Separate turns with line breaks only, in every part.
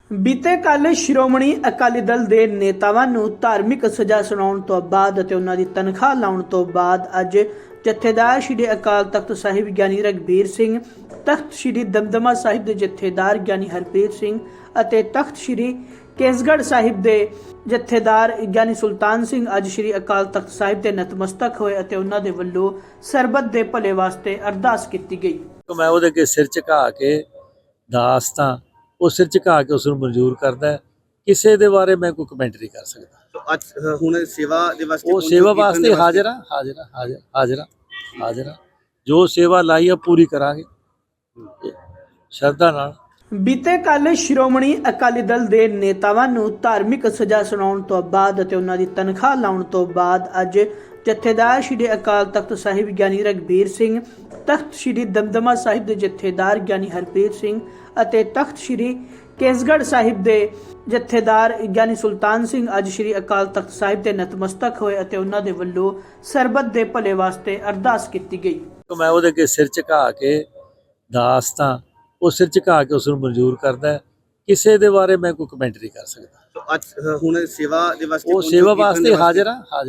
ਬੀਤੇ ਕੱਲ੍ਹ ਸ਼੍ਰੋਮਣੀ ਅਕਾਲੀ ਦਲ ਦੇ ਨੇਤਾਵਾਂ ਨੂੰ ਧਾਰਮਿਕ ਸਜ਼ਾ ਸੁਣਾਉਣ ਤੋਂ ਬਾਅਦ ਅਤੇ ਉਹਨਾਂ ਦੀ ਤਨਖਾਹ ਲਾਉਣ ਤੋਂ ਬਾਅਦ ਅੱਜ ਜਥੇਦਾਰ ਸ਼੍ਰੀ ਅਕਾਲ ਤਖਤ ਸਾਹਿਬ ਗਿਆਨੀ ਰਘਬੀਰ ਸਿੰਘ, ਤਖਤ ਸ਼੍ਰੀ ਦਮਦਮਾ ਸਾਹਿਬ ਦੇ ਜਥੇਦਾਰ ਗਿਆਨੀ ਹਰਪ੍ਰੀਤ ਸਿੰਘ ਅਤੇ ਤਖਤ ਸ਼੍ਰੀ ਕੇਸਗੜ੍ਹ ਸਾਹਿਬ ਦੇ ਜਥੇਦਾਰ ਗਿਆਨੀ ਸੁਲਤਾਨ ਸਿੰਘ ਅੱਜ ਸ਼੍ਰੀ ਅਕਾਲ ਤਖਤ ਸਾਹਿਬ ਦੇ ਨਤਮਸਤਕ ਹੋਏ ਅਤੇ ਉਹਨਾਂ ਦੇ ਵੱਲੋਂ ਸਰਬੱਤ ਦੇ ਭਲੇ ਵਾਸਤੇ ਅਰਦਾਸ ਕੀਤੀ ਗਈ।
मैं ਉਹਦੇ ਅੱਗੇ ਸਿਰ ਝੁਕਾ ਕੇ ਦਾਸ ਤਾਂ ਉਹ ਸਿਰ ਝੁਕਾ ਕੇ ਉਸ ਨੂੰ ਮਨਜ਼ੂਰ ਕਰਦਾ। ਕਿਸੇ ਦੇ ਬਾਰੇ ਮੈਂ ਕੋਈ ਕਮੈਂਟ ਨਹੀਂ ਕਰ ਸਕਦਾ।
ਅੱਜ ਹੁਣ ਸੇਵਾ ਦੇ ਵਾਸਤੇ
ਉਹ ਸੇਵਾ ਵਾਸਤੇ ਹਾਜ਼ਰ ਆ। ਜੋ ਸੇਵਾ ਲਾਈ ਆ ਪੂਰੀ ਕਰਾਂਗੇ ਸ਼ਰਧਾ ਨਾਲ।
ਬੀਤੇ ਕੱਲ੍ਹ ਸ਼੍ਰੋਮਣੀ ਅਕਾਲੀ ਦਲ ਦੇ ਨੇਤਾਵਾਂ ਨੂੰ ਧਾਰਮਿਕ ਸਜ਼ਾ ਸੁਣਾਉਣ ਤੋਂ ਬਾਅਦ ਅਤੇ ਉਹਨਾਂ ਦੀ ਤਨਖਾਹ ਲਾਉਣ ਤੋਂ ਬਾਅਦ ਅੱਜ ਜਥੇਦਾਰ ਸ਼੍ਰੀ ਅਕਾਲ ਤਖਤ ਸਾਹਿਬ ਗਿਆਨੀ ਰਘਬੀਰ ਸਿੰਘ, ਤਖਤ ਸ਼੍ਰੀ ਦਮਦਮਾ ਸਾਹਿਬ ਦੇ ਜਥੇਦਾਰ ਗਿਆਨੀ ਹਰਪ੍ਰੀਤ ਸਿੰਘ ਅਤੇ ਤਖਤ ਸ਼੍ਰੀ ਕੇਸਗੜ੍ਹ ਸਾਹਿਬ ਦੇ ਜਥੇਦਾਰ ਗਿਆਨੀ ਸੁਲਤਾਨ ਸਿੰਘ ਅੱਜ ਸ਼੍ਰੀ ਅਕਾਲ ਤਖਤ ਸਾਹਿਬ ਦੇ ਨਤਮਸਤਕ ਹੋਏ ਅਤੇ ਉਹਨਾਂ ਦੇ ਵੱਲੋਂ ਸਰਬੱਤ ਦੇ ਭਲੇ ਵਾਸਤੇ ਅਰਦਾਸ ਕੀਤੀ ਗਈ।
ਮੈਂ ਉਹਦੇ ਅੱਗੇ ਸਿਰ ਝੁਕਾ ਕੇ ਦਾਸ ਤਾਂ ਉਹ ਸਿਰ ਝੁਕਾ ਕੇ ਉਸ ਨੂੰ ਮਨਜ਼ੂਰ ਕਰਦਾ। ਕਿਸੇ ਦੇ ਬਾਰੇ ਮੈਂ ਕੋਈ ਕਮੈਂਟ ਨਹੀਂ ਕਰ ਸਕਦਾ।
ਅੱਜ ਹੁਣ ਸੇਵਾ ਦੇ ਵਾਸਤੇ
ਉਹ ਸੇਵਾ ਵਾਸਤੇ ਹਾਜ਼ਰ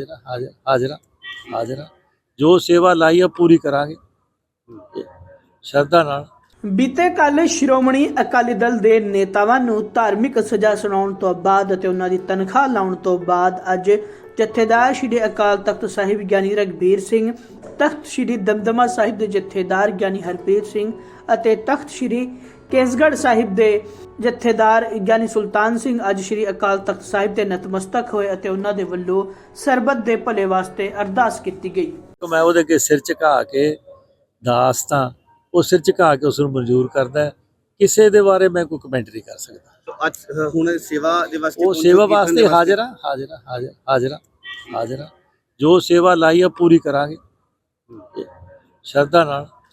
ਆ। ਜੋ ਸੇਵਾ ਲਾਈ ਆ ਪੂਰੀ ਕਰਾਂਗੇ ਸ਼ਰਧਾ ਨਾਲ।
ਬੀਤੇ ਕੱਲ੍ਹ ਸ਼੍ਰੋਮਣੀ ਅਕਾਲੀ ਦਲ ਦੇ ਨੇਤਾਵਾਂ ਨੂੰ ਧਾਰਮਿਕ ਸਜ਼ਾ ਸੁਣਾਉਣ ਤੋਂ ਬਾਅਦ ਅਤੇ ਉਹਨਾਂ ਦੀ ਤਨਖਾਹ ਲਾਉਣ ਤੋਂ ਬਾਅਦ ਅੱਜ ਜਥੇਦਾਰ ਸ਼੍ਰੀ ਅਕਾਲ ਤਖਤ ਸਾਹਿਬ ਗਿਆਨੀ ਰਘਬੀਰ ਸਿੰਘ, ਤਖਤ ਸ਼੍ਰੀ ਦਮਦਮਾ ਸਾਹਿਬ ਦੇ ਜਥੇਦਾਰ ਗਿਆਨੀ ਹਰਪ੍ਰੀਤ ਸਿੰਘ ਅਤੇ ਤਖਤ ਸ਼੍ਰੀ ਕੇਸਗੜ੍ਹ ਸਾਹਿਬ ਦੇ ਜਥੇਦਾਰ ਗਿਆਨੀ ਸੁਲਤਾਨ ਸਿੰਘ ਅੱਜ ਸ਼੍ਰੀ ਅਕਾਲ ਤਖਤ ਸਾਹਿਬ ਦੇ ਨਤਮਸਤਕ ਹੋਏ ਅਤੇ ਉਹਨਾਂ ਦੇ ਵੱਲੋਂ ਸਰਬੱਤ ਦੇ ਭਲੇ ਵਾਸਤੇ ਅਰਦਾਸ ਕੀਤੀ ਗਈ।
ਮੈਂ ਉਹਦੇ ਅੱਗੇ ਸਿਰ ਝੁਕਾ ਕੇ ਦਾਸ ਤਾਂ ਉਹ ਸਿਰ ਝੁਕਾ ਕੇ ਉਸ ਨੂੰ ਮਨਜ਼ੂਰ ਕਰਦਾ। ਕਿਸੇ ਦੇ ਬਾਰੇ ਮੈਂ ਕੋਈ ਕਮੈਂਟ ਨਹੀਂ ਕਰ ਸਕਦਾ।
ਅੱਜ ਹੁਣ ਸੇਵਾ ਦੇ ਵਾਸਤੇ
ਉਹ ਸੇਵਾ ਵਾਸਤੇ ਹਾਜ਼ਰ ਆ। ਜੋ ਸੇਵਾ ਲਾਈ ਆ ਪੂਰੀ ਕਰਾਂਗੇ ਸ਼ਰਧਾ ਨਾਲ।